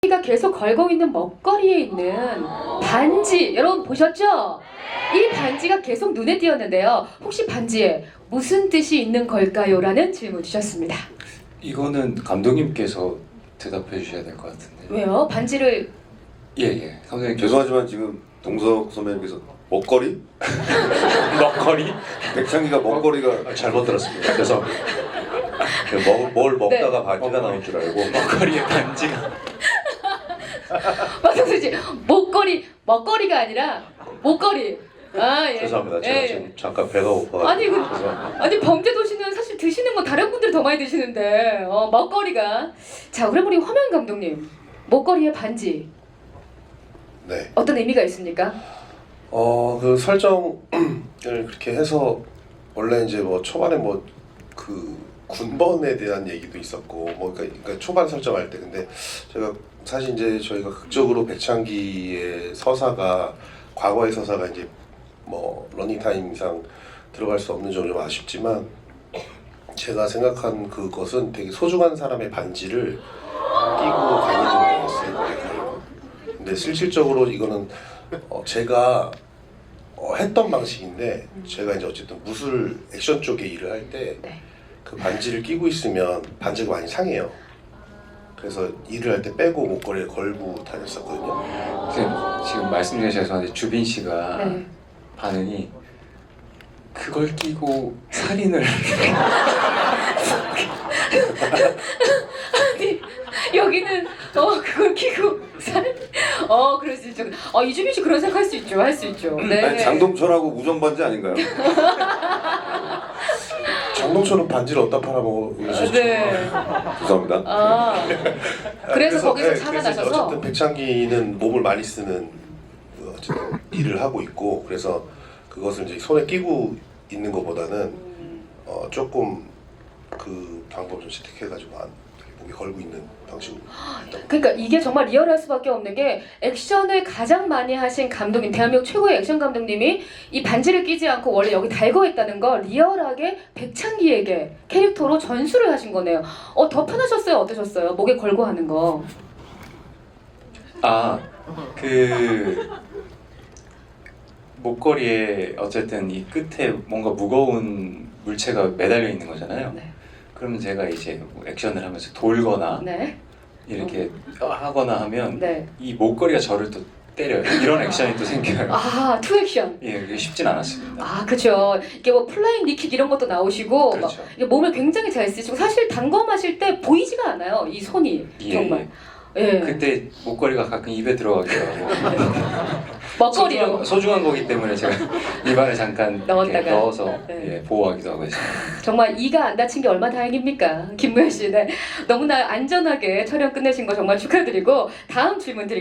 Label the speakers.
Speaker 1: 가 계속 걸고 있는 먹거리에 있는 반지, 여러분 보셨죠? 이 반지가 계속 눈에 띄었는데요. 혹시 반지에 무슨 뜻이 있는 걸까요? 라는 질문 주셨습니다.
Speaker 2: 이거는 감독님께서 대답해 주셔야 될 것 같은데.
Speaker 1: 왜요? 반지를
Speaker 2: 예. 감독님
Speaker 3: 죄송하지만 지금 동석 선배님께서 먹거리?
Speaker 2: 먹거리?
Speaker 3: 백창기가 먹거리가
Speaker 4: 잘못 들었습니다. 그래서 뭘 먹다가 반지가 나올 줄 알고
Speaker 2: 먹거리에 반지가.
Speaker 1: 박성수 씨, 먹거리가 아니라 목걸이. 아, 예.
Speaker 4: 죄송합니다. 제가
Speaker 1: 예.
Speaker 4: 지금 잠깐 배가 고파가지고
Speaker 1: 아니 범죄도시는 사실 드시는 건 다른 분들이 더 많이 드시는데 먹거리가. 자, 그럼 우리 화면 감독님, 목걸이에 반지
Speaker 5: 네.
Speaker 1: 어떤 의미가 있습니까?
Speaker 5: 그 설정을 그렇게 해서 원래 이제 뭐 초반에 뭐 그 군번에 대한 얘기도 있었고 뭐 그러니까 초반 설정할 때 근데 제가 사실 이제 저희가 극적으로 배창기의 서사가 과거의 서사가 이제 뭐 러닝타임 이상 들어갈 수 없는 점이 좀 아쉽지만 제가 생각한 그것은 되게 소중한 사람의 반지를 끼고 다니는 거였어요. 근데 실질적으로 이거는 제가 했던 방식인데 제가 이제 어쨌든 무술 액션 쪽에 일을 할 때 그 반지를 끼고 있으면 반지가 많이 상해요. 그래서 일을 할 때 빼고 목걸이에 걸고 다녔었거든요.
Speaker 2: 지금 말씀드려 죄송한데 주빈 씨가
Speaker 1: 네.
Speaker 2: 반응이 그걸 끼고 살인을
Speaker 1: 여기는 그걸 끼고 사는 그럴 수 있죠. 이주빈 씨 그런 생각 할 수 있죠. 할 수 있죠. 네.
Speaker 3: 아니, 장동철하고 우정반지 아닌가요?
Speaker 5: 장동철은 반지를 어디다 팔아먹어 그러셨죠?
Speaker 1: 네.
Speaker 3: 죄송합니다.
Speaker 1: 그래서 거기서
Speaker 5: 그래서
Speaker 1: 살아나셔서
Speaker 5: 어쨌든 백창기는 몸을 많이 쓰는 어쨌든 일을 하고 있고 그래서 그것을 이제 손에 끼고 있는 것보다는 조금 그 방법을 좀 채택해가지고 목에 걸고 있는 방식으로.
Speaker 1: 그러니까 이게 정말 리얼할 수밖에 없는 게 액션을 가장 많이 하신 감독님, 대한민국 최고의 액션 감독님이 이 반지를 끼지 않고 원래 여기 달고 있다는 걸 리얼하게 백창기에게 캐릭터로 전수를 하신 거네요. 더 편하셨어요? 어떠셨어요? 목에 걸고 하는 거.
Speaker 2: 그 목걸이에 어쨌든 이 끝에 뭔가 무거운 물체가 매달려 있는 거잖아요.
Speaker 1: 네.
Speaker 2: 그러면 제가 이제 뭐 액션을 하면서 돌거나
Speaker 1: 네.
Speaker 2: 이렇게 하거나 하면
Speaker 1: 네.
Speaker 2: 이 목걸이가 저를 또 때려요. 이런 액션이 또 생겨요.
Speaker 1: 투 액션.
Speaker 2: 예, 그게 쉽진 않았습니다.
Speaker 1: 그렇죠. 이게 뭐 플라잉 니킥 이런 것도 나오시고
Speaker 2: 그렇죠.
Speaker 1: 막 이게 몸을 굉장히 잘 쓰시고 사실 단검하실 때 보이지가 않아요. 이 손이 정말. 예.
Speaker 2: 그때 목걸이가 가끔 입에 들어가기도 하고
Speaker 1: 먹거리로.
Speaker 2: 소중한 거기 때문에 제가 입안에 잠깐
Speaker 1: 넣었다가.
Speaker 2: 이렇게 넣어서
Speaker 1: 네.
Speaker 2: 보호하기도 하고 있습니다.
Speaker 1: 정말 이가 안 다친 게 얼마나 다행입니까? 김무현 씨. 네. 너무나 안전하게 촬영 끝내신 거 정말 축하드리고 다음 질문 드릴게요.